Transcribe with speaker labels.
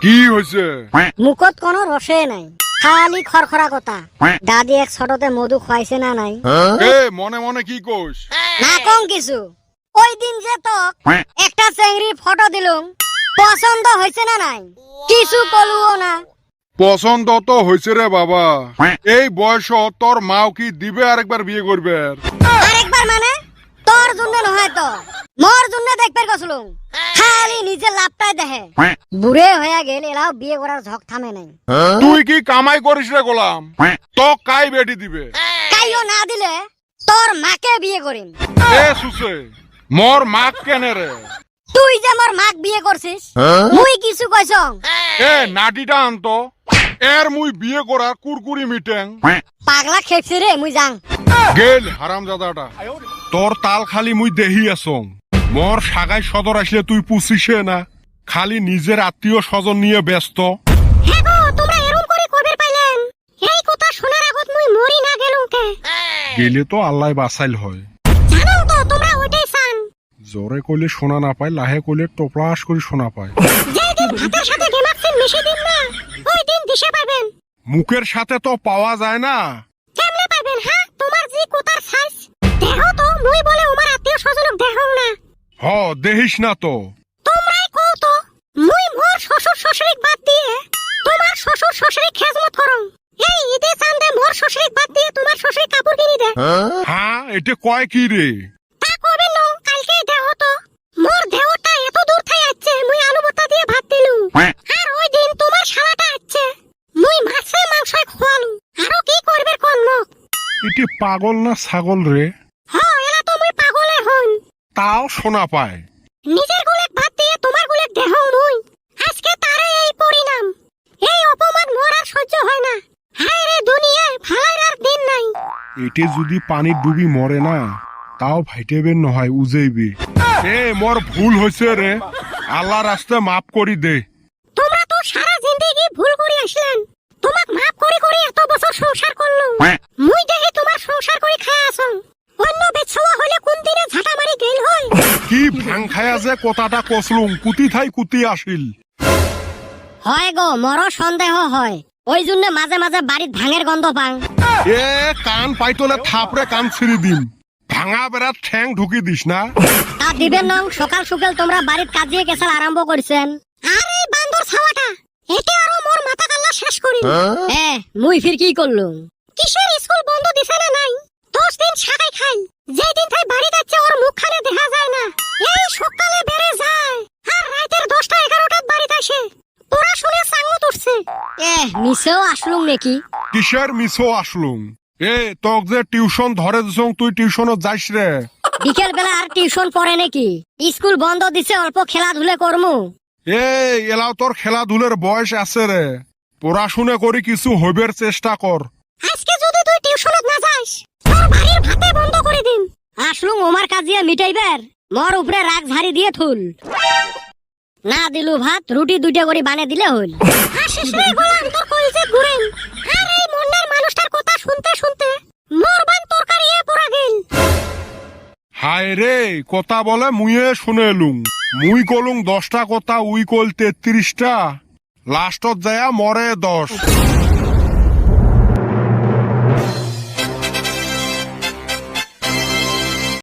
Speaker 1: কি হয়েছে?
Speaker 2: মুখত কোনো রসে নাই, খালি খরখরা কথা। দাদি এক ছোটতে মধু খাইছে না নাই?
Speaker 1: এ মনে মনে কি কোস?
Speaker 2: না কম কিছু। ওই দিন যে তোক একটা চেংড়ির ফটো দিলুম, পছন্দ হয়েছে না নাই? কিছু কলুও না।
Speaker 1: পছন্দ তো হয়েছে রে বাবা। এই বয়স তোর মাও কি দিবে আরেকবার বিয়ে করবে?
Speaker 2: আরেকবার মানে তোর জন্য নহয় তো, মোর জন্য দেখবে গছলুম। খালি নিজে লাভটাই দেখে। বুড়ে হয়ে গেল, এলাও বিয়ে করার ঝক থামে নাই।
Speaker 1: তুই কি কামাই করিস রে গোলাম? তো কাই বেটি দিবে?
Speaker 2: কাইও না দিলে তোর মাকে বিয়ে করিম।
Speaker 1: এ সুসে, মোর মাক কেনে রে?
Speaker 2: তুই যে মোর মাক বিয়ে করছিস, মুই কিছু কইছ?
Speaker 1: এ নাটিটা আনতো, এর মুই বিয়ে করার কুরকুরি মিটেং।
Speaker 2: পাগলা খেপছি রে, মুই যাং।
Speaker 1: গেল হারামজাদাটা, তোর তাল খালি মুই দেহি আসং। মোর সাগাই সদর আসলে তুই পুছিসে না, খালি নিজের আত্মীয় স্বজন নিয়ে ব্যস্ত।
Speaker 2: হে গো, তোমরা এরকম করে কবে পাইলেন? এই কথা শোনার আগত মুই মরি না গেলুম কে?
Speaker 1: গেলে তো আল্লাহ বাঁচাইল হয়।
Speaker 2: জানো তো তোমরা ওইটাই চান।
Speaker 1: জোরে কইলে শোনা না পায়, লাহে কইলে টোপলাস করে শোনা পায়।
Speaker 2: যেদিন ভাতের সাথে গেমাক্সিন মিশে দিন না, ওই দিন দিশে পাবেন।
Speaker 1: মুখের সাথে তো পাওয়া যায় না।
Speaker 2: কেমনে পাবেন? হ্যাঁ, তোমার যে কোতার সাইজ দেহ তো মুই বলে ওমার আত্মীয় স্বজনক দেহং না।
Speaker 1: হ দেহিস না তো।
Speaker 2: তোমরাই কও তো, মুই মোর শ্বশুর শাশুড়িক বাদ দিয়ে তোমার শ্বশুর শাশুড়ি খেজমত করং। এই ঈদে চান্দে মোর শ্বশুরিক বাদ দিয়ে তোমার শ্বশুরি কাপড় কিনি দে।
Speaker 1: হ্যাঁ এটা কয় কি রে?
Speaker 2: তা কবে নো, কালকে দেহ তো মোর দেহটা এত দূর থাই আছে, মুই আলু ভর্তা দিয়ে ভাত দিলু। আর ওই দিন তোমার শালাটা আছে, মুই মাছে মাংস খোয়ালু। আরো কি করবে কোন মুখ?
Speaker 1: এটি পাগল না ছাগল রে?
Speaker 2: হ্যাঁ, এলা তো মুই পাগলে হন।
Speaker 1: তাও শোনা পায়।
Speaker 2: নিজের গুলেক ভাত দিয়ে তোমার গুলেক দেহ মুই। আজকে তারে এই পরিণাম। এই অপমান মোর আর সহ্য হয় না। হায় রে দুনিয়ায় ভালার আর দিন নাই।
Speaker 1: এটি যদি পানির ডুবি মরে না, তাও ভাইটেবেন নহয় উজেইবে। এ মোর ভুল হয়েছে রে, আল্লাহ রাস্তে মাফ করি দে।
Speaker 2: তোমরা তো সারা জিন্দেগি ভুল করে আসলেন, তোমাক মাফ করে করে এত বছর সংসার করলুম। মুই দেখি তোমার সংসার করে খায় আসং। অন্য বেছওয়া হলে কোন দিনে ঝাঁটা মারি গেল হয়।
Speaker 1: কি ভাং খায়া যে কথাটা কসলুম, কুতি থাই কুতি আসিল।
Speaker 2: হয় গো, মরো সন্দেহ হয়। ওই জন্য মাঝে মাঝে বাড়িত ভাঙের গন্ধ পাং।
Speaker 1: এ কান পাইতলে থাপড়ে কান ছিঁড়ি দিম। ভাঙা বেড়াত ঠ্যাং ঢুকি দিস না।
Speaker 2: তা দিবেন নং, সকাল সকাল তোমরা বাড়িত কাজিয়ে কেসাল আরম্ভ করছেন। আর এই বান্দর ছাওয়াটা, এতে আরো মোর মাথা কাল্লা শেষ করি। মুই ফির কি করলুম? কিসের স্কুল বন্ধ দিছে না নাই? 10 দিন শাকাই খাই। যেদিন তাই বাড়ি যাচ্ছে ওর মুখখানে দেখা যায় না। এই সকালে বেড়ে যায় আর রাতের 10টা 11টার বাড়িতে আসে। পড়াশোনা সাঙ্গত উঠছে। মিছেও আসলুম নাকি?
Speaker 1: কিসের মিছো আসলুম? এ তোক যে টিউশন ধরে দিছং, তুই টিউশনত যাইস রে?
Speaker 2: বিকেল বেলা আর টিউশন পড়ে নাকি? স্কুল বন্ধ দিছে, অল্প খেলাধুলা করমু।
Speaker 1: এলাও তোর খেলাধুলের বয়স আছে রে, পড়াশুনে করি কিছু হইবের চেষ্টা কর।
Speaker 2: আজকে যদি তুই টিউশনত না যাস, তোর বাড়ির ভাতে বন্ধ করে দিন। আসলুম ওমার কাজিয়া মিটাইবার, মোর উপরে রাগ ঝাড়ি দিয়ে থুল। না দিলু ভাত, রুটি 2টা করে বানিয়ে দিলে হল। আসিস রে গোলাম, তোর কইছে ঘুরেন। আর এই মন্নার মানুষটার কথা শুনতে শুনতে মোর বান তরকারি পড়া গেল।
Speaker 1: হায় রে, কথা বলে মুইয়ে শুনে এলুম। মুই কলুম 10টা কথা, উই কল 33টা। লাস্টত যায়া মরে 10।